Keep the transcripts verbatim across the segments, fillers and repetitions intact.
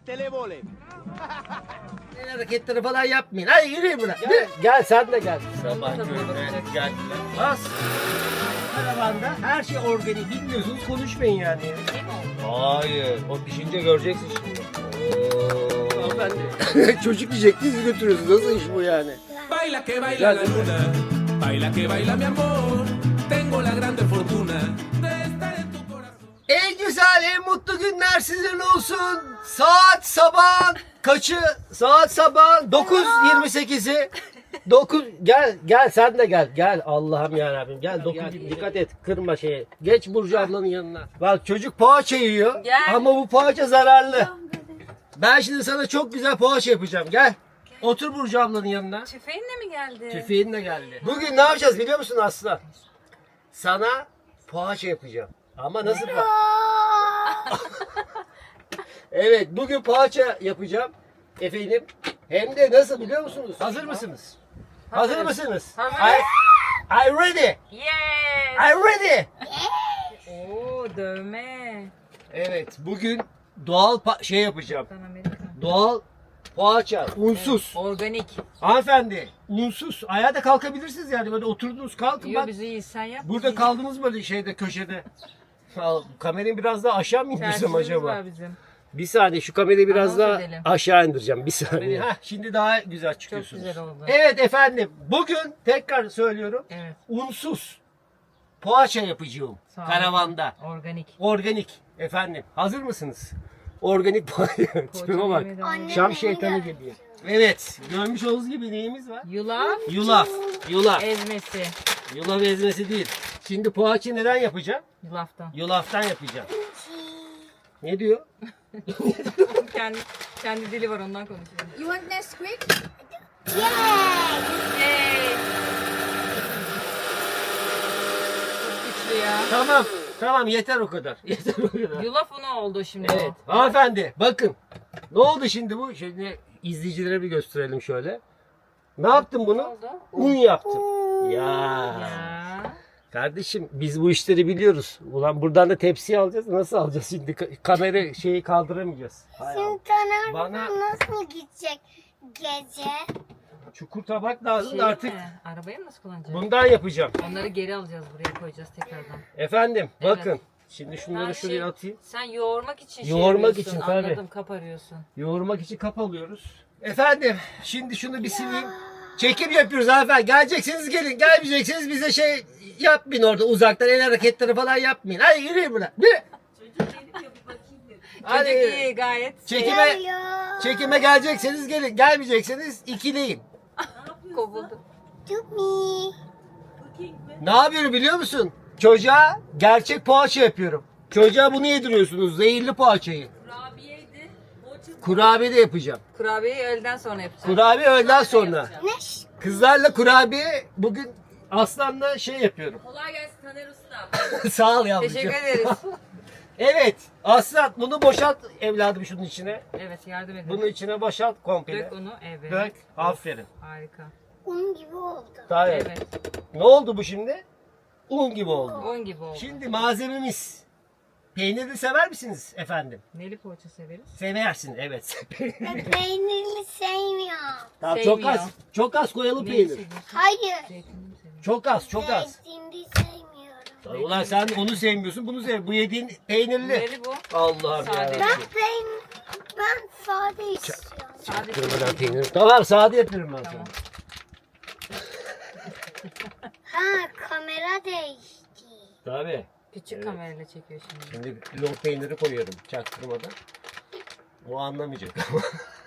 televole. El hareketleri falan yapmayın. Hadi yürüyün buna. Gel, gel sen de gel. Sabah körüne geldiler. Bas. Karavanda her şey organik. Bilmiyorsunuz konuşmayın yani. Hayır. O pişince göreceksin şimdi. Oo. Hanımefendi. Çocuk diyecektiniz götürüyorsunuz. Nasıl iş bu yani? Baila que baila la luna, baila que baila mi amor. Tengo la grande fortuna de estar en tu corazón. En güzel, en mutlu günler sizin olsun. Saat sabah kaçı? Saat sabah dokuz yirmi sekizi. dokuz gel gel sen de gel. Gel Allah'ım ya Rabbim. Gel dokuz dikkat et. Kırma şeyi. Geç Burcu ablanın yanına. Bak çocuk poğaça yiyor. Gel. Ama bu poğaça zararlı. Ben şimdi sana çok güzel poğaça yapacağım. Gel. Otur Burcu ablanın yanına. Tüfeğinle mi geldi? Tüfeğin de geldi. Bugün ne yapacağız biliyor musun Aslı? Sana poğaça yapacağım. Ama nasıl poğaça? Evet, bugün poğaça yapacağım. Efendim. Hem de nasıl biliyor musunuz? Hazır mısınız? Hazır Hazırız. mısınız? Hazırız. I, I ready. Yes. I ready. Oo dövme. Evet, bugün doğal pa- şey yapacağım. Kaptan Amerika. Doğal poğaça, unsuz. Organik. Hanımefendi, unsuz. Ayağa da kalkabilirsiniz yani. Böyle oturdunuz kalkın Yo bak. bizi iyi sen yap. Burada kaldınız böyle şeyde köşede. Al, kamerayı biraz daha aşağı mı indirsem Tersimiz acaba? var bizim. Bir saniye şu kamerayı biraz Anons daha edelim. aşağı indireceğim. Bir saniye. Heh, şimdi daha güzel Çok çıkıyorsunuz. güzel oldu. Evet efendim. Bugün tekrar söylüyorum. Evet. Unsuz poğaça yapacağım. Sağ olun. Karavanda. Organik. Organik. Efendim. Hazır mısınız? Organik poğaça. Tipime bak. yemeğe devam edelim. Şam şeytanı geliyor. Evet. Görmüş olduğunuz gibi neyimiz var? Yulaf Yulaf. Yulaf. ezmesi. Yulaf ezmesi değil. Şimdi poğaça neden yapacağım? Yulaftan. Yulaftan yapacağım. Ne diyor? kendi kendi dili var ondan konuşuyor. You want Nesquik? Yay. Çok güçlü ya. Tamam. Tamam yeter o kadar. Yeter o kadar. Yulaf unu oldu şimdi Evet. o. Hanımefendi bakın. Ne oldu şimdi bu? Şimdi izleyicilere bir gösterelim şöyle. Ne yaptım Ne bunu? oldu? Un yaptım. Ya. Ya. Kardeşim biz bu işleri biliyoruz. Ulan buradan da tepsiyi alacağız. Nasıl alacağız şimdi? Ka- kamera şeyi kaldıramayacağız. Hay Allah. Taner Bana- nasıl gidecek gece? Çukur tabak lazım Şey da artık mi? Arabayı mı nasıl kullanacağız? bundan yapacağım. Onları geri alacağız buraya koyacağız tekrardan. Efendim Evet. bakın. Şimdi şunları Ha, şuraya şey, atayım. Sen yoğurmak için şey Yoğurmak yapıyorsun, için, tabii. Anladım kap arıyorsun. Yoğurmak için kap alıyoruz. Efendim şimdi şunu bir sileyim. Çekim yapıyoruz hanımefendi. Geleceksiniz gelin. Gelmeyeceksiniz bize şey yapmayın orada uzaktan el hareketleri falan yapmayın. Hadi yürüyün buna. Yürü. Hadi Çocuk yürü. iyi gayet. Çekime, Hello. çekime gelecekseniz gelin. Gelmeyecekseniz ikileyin. Kovuldu. To me. Ne yapıyorum biliyor musun? Çocuğa gerçek poğaça yapıyorum. Çocuğa bunu yediriyorsunuz. Zehirli poğaçayı. Kurabiyeydi. Kurabiye de yapacağım. Kurabiyeyi öğleden sonra yapacağız. Kurabiye öğleden sonra. Ne? Kızlarla kurabiye bugün Aslan'la şey yapıyorum. Kolay gelsin Taner Usta. Sağ ol yavrucuğum. Teşekkür ederiz. Evet. Aslan bunu boşalt evladım şunun içine. Evet yardım edin. Bunun içine boşalt komple. Dök onu evet. Dök. Aferin. Harika. Un gibi oldu. Tamam. Evet. Ne oldu bu şimdi? Un gibi oldu. On gibi oldu. Şimdi malzememiz. Peyniri sever misiniz efendim? Neli poğaça severiz? Seversin evet. Ben peynirli sevmiyorum. Tamam, çok Sevmiyor. az. Çok az koyalım Neli peynir. seviyorsun? Hayır. Zeytinli mi seviyorsun? Çok az, çok az. Zeytinli sevmiyorum. Ulan sen onu sevmiyorsun, bunu sev. Bu yediğin peynirli. Neli bu? Allah'ım Sade. yarabbim. Ben peynir, ben sade istiyorum. Sadece Kırmadan peynir. Tamam sade yapıyorum ben sana. Tamam. Ha kamera değişti. Tabii. Küçük Evet. kamerayla çekiyor şimdi. Şimdi lor peyniri koyuyorum çaktırmadan. O anlamayacak ama.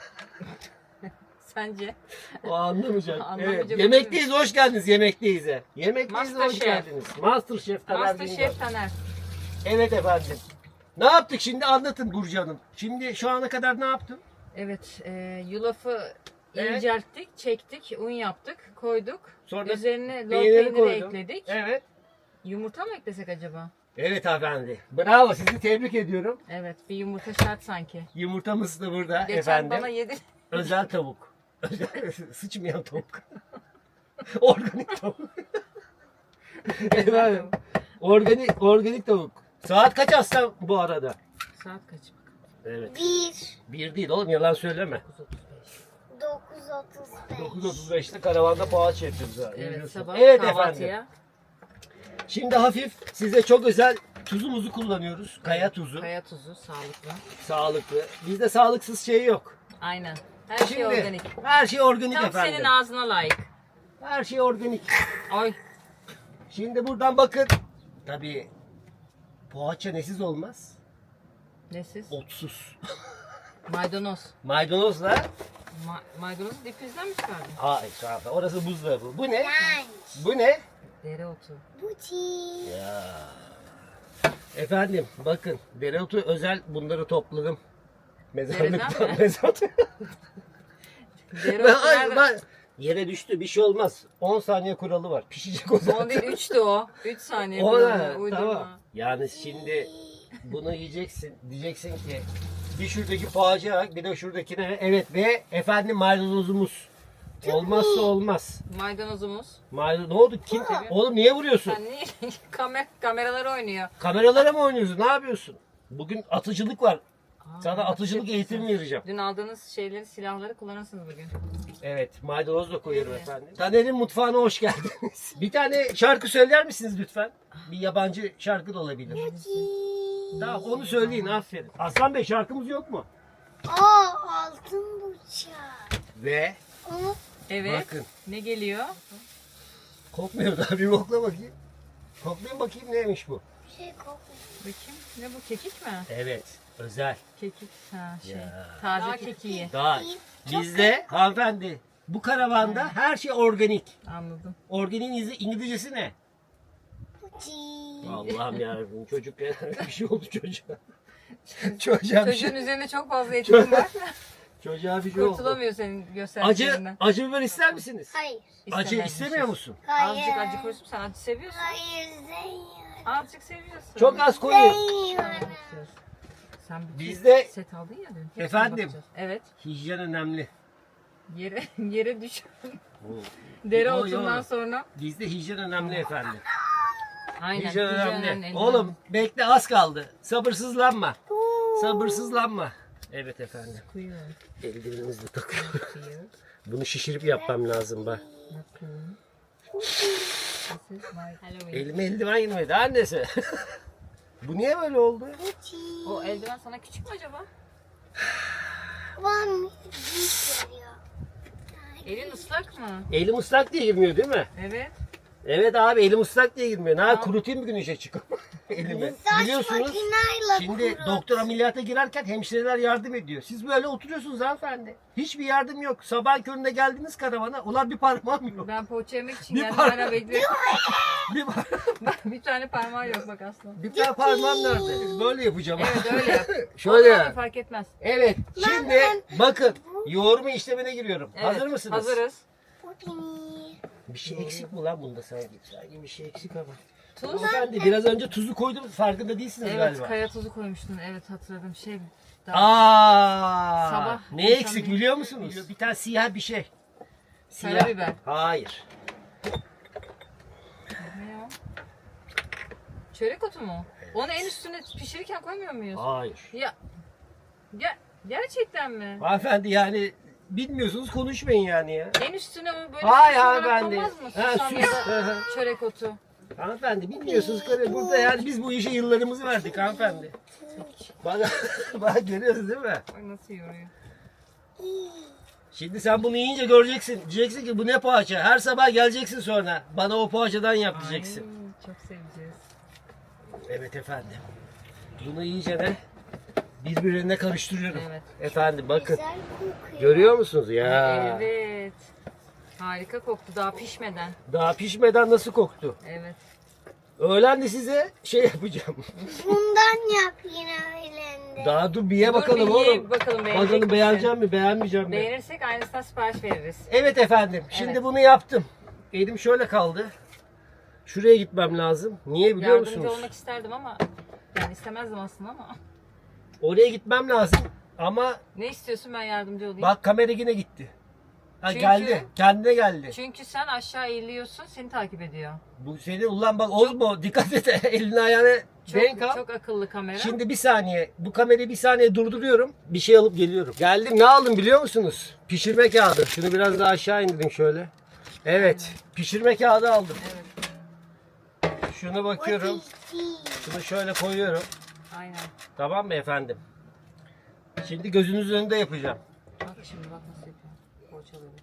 Sence? O anlamayacak. Anlamayacak Evet. Yemekteyiz, hoş geldiniz Yemekteyiz. Yemekteyiz, hoş Masterchef. geldiniz. Masterchef Taner Güngör. Masterchef Taner. Evet efendim. Ne yaptık şimdi anlatın Burcu Hanım. Şimdi şu ana kadar ne yaptın? Evet, e, yulafı Evet. incelttik, çektik, un yaptık, koyduk. Sonra Üzerine lor peyniri peyniri koydum. ekledik. Evet. Yumurta mı eklesek acaba? Evet efendi. Bravo sizi tebrik ediyorum. Evet, bir yumurta şart sanki. Yumurtamız da burada Geçen efendim. bana yedi. Özel tavuk. Sıçmayan tavuk. Organik tavuk. efendim. Organik, organik tavuk. Saat kaç aslan bu arada? Saat kaç bakalım? Evet. Bir. Bir değil oğlum, yalan söyleme. Dokuz otuz beş. dokuz otuz beşte karavanda poğaça yapıyoruz. ha, Evet biliyorsun. sabah Evet kahvaltıya. efendim. Şimdi hafif size çok özel tuzumuzu kullanıyoruz. Kaya tuzu. Kaya tuzu sağlıklı. Sağlıklı. Bizde sağlıksız şey yok. Aynen. Her şey Şimdi organik. her şey organik Tam efendim. senin ağzına layık. Her şey organik. Ay. Şimdi buradan bakın. Tabii poğaça nesiz olmaz? Nesiz? Otsuz. Maydanoz. Maydanozla. Ma- maydanozu difrizden mi çıkardın? Hayır kanka, orası buzdolabı. Bu ne? Lunch. Bu ne? Dereotu. Buti. Ya. Efendim bakın, dereotu özel bunları topladım. Mezarlıktan Nereden mi? mezarlıktan. Dereotu Ben, ay, nerede? ben, yere düştü, bir şey olmaz. on saniye kuralı var. Pişecek o zaman. On değil üçtü o. Üç saniye. O falan. ne? Uydurma. Tamam. Yani şimdi bunu yiyeceksin. Diyeceksin ki bir şuradaki poğaçaya bak, bir de şuradakine. Evet, ve efendim maydanozumuz. Olmazsa olmaz. Maydanozumuz. Maydanoz ne oldu? Kim? Oğlum niye vuruyorsun? Sen niye? Kamer kameralar oynuyor. Kameralara mı oynuyorsun? Ne yapıyorsun? Bugün atıcılık var. Sana atıcılık eğitimi vereceğim. Dün aldığınız şeyleri, silahları kullanırsınız bugün. Evet, maydanoz da koyuyorum efendim. Taner'in mutfağına hoş geldiniz. Bir tane şarkı söyler misiniz lütfen? Bir yabancı şarkı da olabilir. Tamam, onu söyleyin, aferin. Aslan Bey, şarkımız yok mu? Aa altın bıçak. Ve Onu Evet. bakın, Ne geliyor? kokmuyor da bir kokla bakayım. Koklayın bakayım, neymiş bu? şey kokuyor. Bakayım. Ne bu? Kekik mi? Evet, özel. Kekik. Ha şey. Ya. Taze kekiği. Daha bizde hanımefendi, bu karavanda her şey organik. Anladım. Organiğin İngiliz- İngilizcesi ne? Buti. Allah'ım yarabbim, çocuk bir şey oldu çocuğa. Çocuğa bir şey, Çocuğun üzerine çok fazla etkin var. çocuğa bir şey oldu. Kurtulamıyor senin Acı, gösterdiklerinden. acı biber ister misiniz? Hayır. Acı İstemezmişiz. istemiyor musun? Hayır. Azıcık acı koysun. Sen acı seviyorsun. Hayır sevmiyorum. Azıcık seviyorsun. Çok az koyuyor. Sevmiyorum. Sen bir Bizde- set aldın ya dün. Hepsine Efendim? bakacağız. Evet. Hijyen önemli. Yere yere düş. Yo, Dereotundan yo. sonra. Bizde hijyen önemli efendim. Aynen. Hijyen hijyen önemli. önemli. Oğlum bekle, az kaldı. Sabırsızlanma. Sabırsızlanma. Evet efendim. Koyuyor. Eldivenimizi de takıyorum. Bunu şişirip yapmam lazım bak. Bakın. This is my Halloween. Elime eldiven girmedi annesi. Bu niye böyle oldu? Buti. O eldiven sana küçük mü acaba? Bana büyük geliyor. Elin ıslak mı? Elim ıslak diye girmiyor değil mi? Evet. Evet abi, elim ıslak diye girmiyor. Ne yapayım, kurutayım bir gün işe çıkıp elimi. Saç Biliyorsunuz makineyle şimdi kurut. doktor ameliyata girerken hemşireler yardım ediyor. Siz böyle oturuyorsunuz hanımefendi. Hiçbir yardım yok. Sabah köründe geldiniz karavana. Ulan bir parmağım yok. Ben poğaça yemek için Bir geldim par- hala bekliyorum. Bir, par- Bir tane parmağı yok bak aslında. bir tane parmağım nerede? Böyle yapacağım. Evet öyle yap. Şöyle. Olur, fark etmez. Evet. Şimdi bakın, yoğurma işlemine giriyorum. Evet, Hazır mısınız? Hazırız. Buti. Bir şey eksik mi lan bunda sanki? Sanki bir şey eksik ama. Tuz. Hanımefendi, biraz önce tuzu koydum, farkında değilsiniz Evet galiba. kaya tuzu koymuştun. Evet hatırladım. Şey daha Aa, Sabah ne insan eksik bir- biliyor musunuz? Bir tane siyah bir şey. Siyah. Karabiber. Hayır. Ne o? Çörek otu mu? Onu en üstüne pişirirken koymuyor muyuz? Hayır. Ya, ya gerçekten mi? Hanımefendi yani bilmiyorsunuz, konuşmayın yani ya. En üstüne o böyle Hayır süs olarak hanımefendi. konmaz mı? Ha, Susam süs. ya Hı da hı. çörek otu. Hanımefendi bilmiyorsunuz karı. Burada yani biz bu işe yıllarımızı verdik hanımefendi. Bak, bak görüyorsun değil mi? Ay nasıl yoruyor. Şimdi sen bunu yiyince göreceksin. Diyeceksin ki bu ne poğaça. Her sabah geleceksin sonra. Bana o poğaçadan yap diyeceksin. Ay, çok seveceğiz. Evet efendim. Bunu iyice de birbirine karıştırıyorum. Evet. Efendim bakın. Güzel kokuyor. Görüyor musunuz ya? Evet. Harika koktu daha pişmeden. Daha pişmeden nasıl koktu? Evet. Öğlen de size şey yapacağım. Bundan yap yine öğlende. Daha dur bir ye Dur bakalım bir ye, oğlum. bakalım beğenecek Bakalım misin? beğeneceğim mi beğenmeyeceğim mi? Beğenirsek aynısından sipariş veririz. Evet efendim. Şimdi Evet. bunu yaptım. Elim şöyle kaldı. Şuraya gitmem lazım. Niye biliyor Yardımcı musunuz? olmak isterdim ama yani istemezdim aslında ama. Oraya gitmem lazım. Ama Ne istiyorsun ben yardımcı olayım. bak, kamera yine gitti. Ha, Çünkü- geldi. Kendine geldi. Çünkü sen aşağı eğiliyorsun seni takip ediyor. Bu senin ulan bak Ozmo, dikkat et elini ayağını Çok, denk al. çok akıllı kamera. Şimdi bir saniye. Bu kamerayı bir saniye durduruyorum. Bir şey alıp geliyorum. Geldim. Ne aldım biliyor musunuz? Pişirme kağıdı. Şunu biraz daha aşağı indireyim şöyle. Evet. Pişirme kağıdı aldım. Evet. Şuna bakıyorum. Şunu şöyle koyuyorum. Aynen. Tamam mı efendim? Şimdi gözünüzün önünde yapacağım. Bak şimdi bak nasıl yapıyor. Poğaçaları.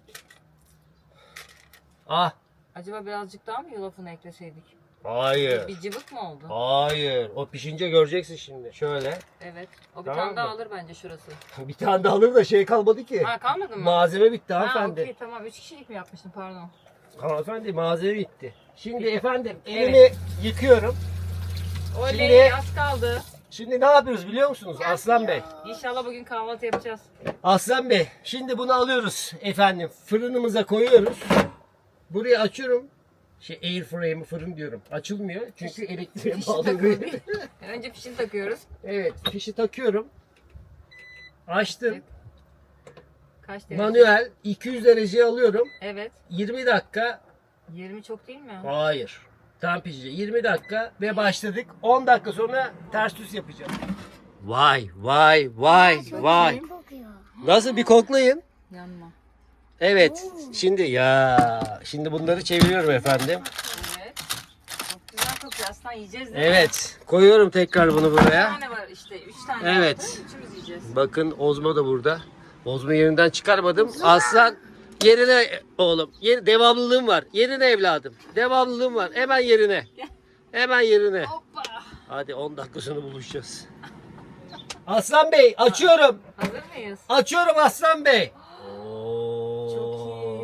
Ah. Acaba birazcık daha mı yulafını ekleseydik? Hayır. Bir cıvık mı oldu? Hayır. O pişince göreceksin şimdi. Şöyle. Evet. O bir Tamam tane daha mı? alır bence şurası. Bir tane daha alır da şey kalmadı ki. Ha kalmadı mı? Malzeme bitti Ha hanımefendi. okey tamam. Üç kişilik mi yapmıştın pardon. Hanımefendi malzeme bitti. Şimdi efendim Evet. elimi yıkıyorum. Oley Şimdi- az kaldı. Şimdi ne yapıyoruz biliyor musunuz Aslan Bey? İnşallah bugün kahvaltı yapacağız. Aslan Bey şimdi bunu alıyoruz efendim. Fırınımıza koyuyoruz. Burayı açıyorum. Şey air frame fırın diyorum. Açılmıyor çünkü elektriğe Fişi bağlı. takılı değil. Önce fişini takıyoruz. Evet fişi takıyorum. Açtım. Kaç derece? Manuel iki yüz dereceye alıyorum. Evet. yirmi dakika. yirmi çok değil mi? Hayır. Tam pişecek. yirmi dakika ve başladık. on dakika sonra ters düz yapacağım. Vay vay vay vay. Kokuyor. Nasıl bir koklayın. Yanma. Evet. Şimdi ya şimdi bunları çeviriyorum efendim. Evet. Çok güzel kokuyor. Aslında yiyeceğiz değil mi? Evet. Koyuyorum tekrar bunu Bir buraya. tane var işte. Üç tane Evet. yaptım. Üçümüz yiyeceğiz. Bakın Ozmo da burada. Ozmo yerinden çıkarmadım. Aslan yerine oğlum. Yer, devamlılığım var. Yerine evladım. Devamlılığım var. Hemen yerine. Hemen yerine. Hoppa. Hadi on dakika sonra buluşacağız. Aslan Bey açıyorum. Hazır mıyız? Açıyorum Aslan Bey. Çok iyi.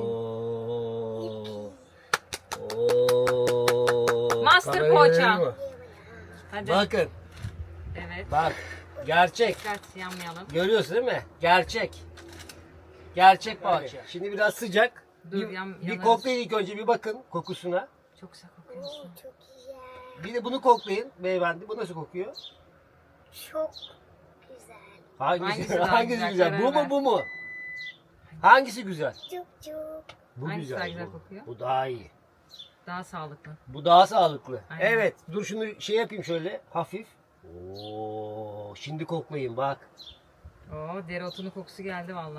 Oo. Master Kamerayı poğaça. verelim mi? Hadi. Bakın Evet. bak gerçek. Dikkat yanmayalım. Görüyorsun değil mi? Gerçek. Gerçek poğaça. Şimdi biraz sıcak. Dur, bir, yan- bir yanarız. koklayın ilk önce bir bakın kokusuna. Çok güzel kokuyorsun. Çok güzel. Bir de bunu koklayın beyefendi. Bu nasıl kokuyor? Çok güzel. Hangisi, Hangisi daha hangisi güzel? güzel? Karar Bu mu ver. bu mu? Hangisi güzel? Çok çok. Bu Hangisi güzel. daha güzel bu. kokuyor? Bu daha iyi. Daha sağlıklı. Bu daha sağlıklı. Aynen. Evet. Dur şunu şey yapayım şöyle hafif. Oo, şimdi koklayın bak. Oo dereotunun kokusu geldi valla.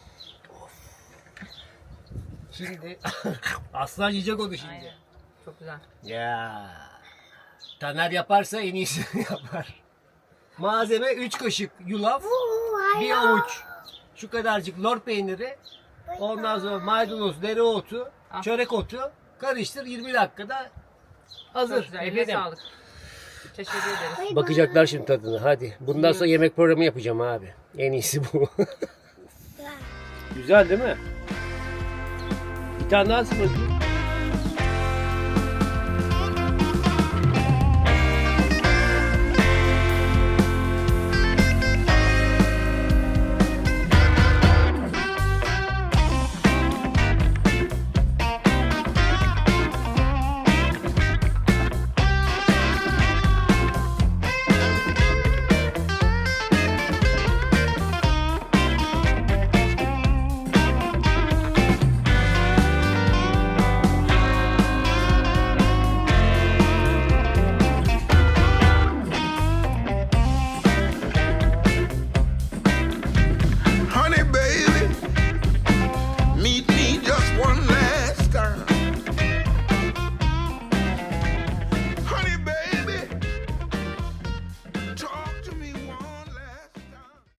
Şimdi aslan yiyecek onu şimdi. Aynen. Çok güzel. Ya. Taner yaparsa en iyisini yapar. Malzeme üç kaşık yulaf, Oo, bir avuç şu kadarcık lor peyniri, ondan sonra maydanoz, dereotu, Ah. çörek otu karıştır yirmi dakikada Çok hazır. güzel. Eline Efendim. sağlık. Teşekkür ederiz. Bay Bakacaklar şimdi tadına hadi. Bundan sonra yemek programı yapacağım abi. En iyisi bu. bay. Güzel değil mi? Bir tane daha ısmarlayayım.